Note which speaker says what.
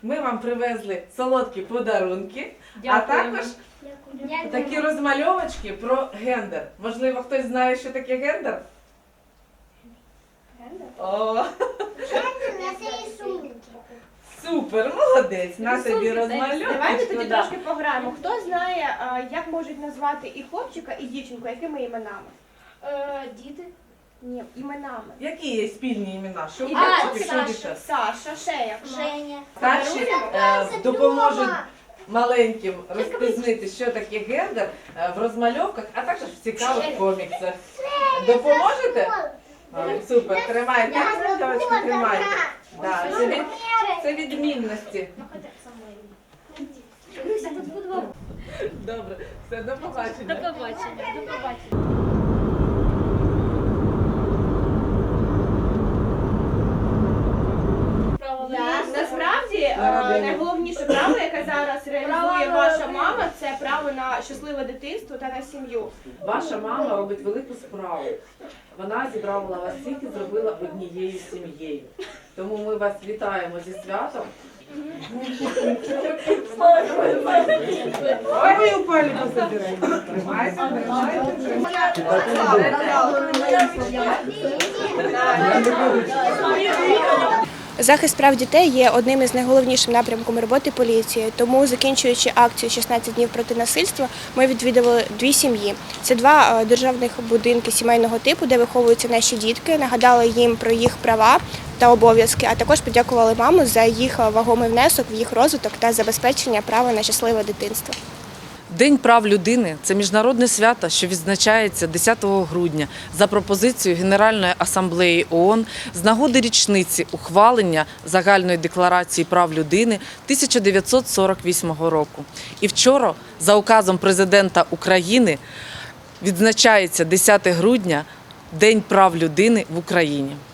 Speaker 1: Ми вам привезли солодкі подарунки,
Speaker 2: Дякуємо.
Speaker 1: а також такі розмальовочки про гендер. Можливо, хтось знає, що таке гендер? О, супер, молодець, на тобі розмальовочку.
Speaker 2: Давайте тоді
Speaker 1: да.
Speaker 2: трошки пограємо. Хто знає, як можуть назвати і хлопчика, і дівчинку, якими іменами?
Speaker 3: Діти.
Speaker 2: Ні, іменами.
Speaker 1: Які є спільні імена? Що
Speaker 2: І
Speaker 1: хлопчики, що
Speaker 2: Саша,
Speaker 1: дівчата?
Speaker 2: Саша, ще як?
Speaker 3: Женя.
Speaker 1: Старші допоможуть маленьким розпізнити, що таке гендер в розмальовках, а також в цікавих коміксах. Допоможете? Ой, супер, тримайте, розмальовочки тримайте. Да, це відмінності. Добре, все, до побачення.
Speaker 3: До побачення.
Speaker 2: Насправді найголовніше право, яке зараз реалізує ваша мама, це право на щасливе дитинство та на сім'ю.
Speaker 1: Ваша мама робить велику справу. Вона зібрала вас всіх і зробила однією сім'єю. Тому ми вас вітаємо зі святом. Ой, ви упали пособираємо. Тримайте,
Speaker 2: Захист прав дітей є одним із найголовніших напрямком роботи поліції. Тому, закінчуючи акцію «16 днів проти насильства», ми відвідували 2 сім'ї. Це 2 державних будинки сімейного типу, де виховуються наші дітки, нагадали їм про їх права та обов'язки, а також подякували маму за їх вагомий внесок в їх розвиток та забезпечення права на щасливе дитинство.
Speaker 4: День прав людини – це міжнародне свято, що відзначається 10 грудня за пропозицією Генеральної асамблеї ООН з нагоди річниці ухвалення Загальної декларації прав людини 1948 року. І вчора за указом президента України відзначається 10 грудня – День прав людини в Україні.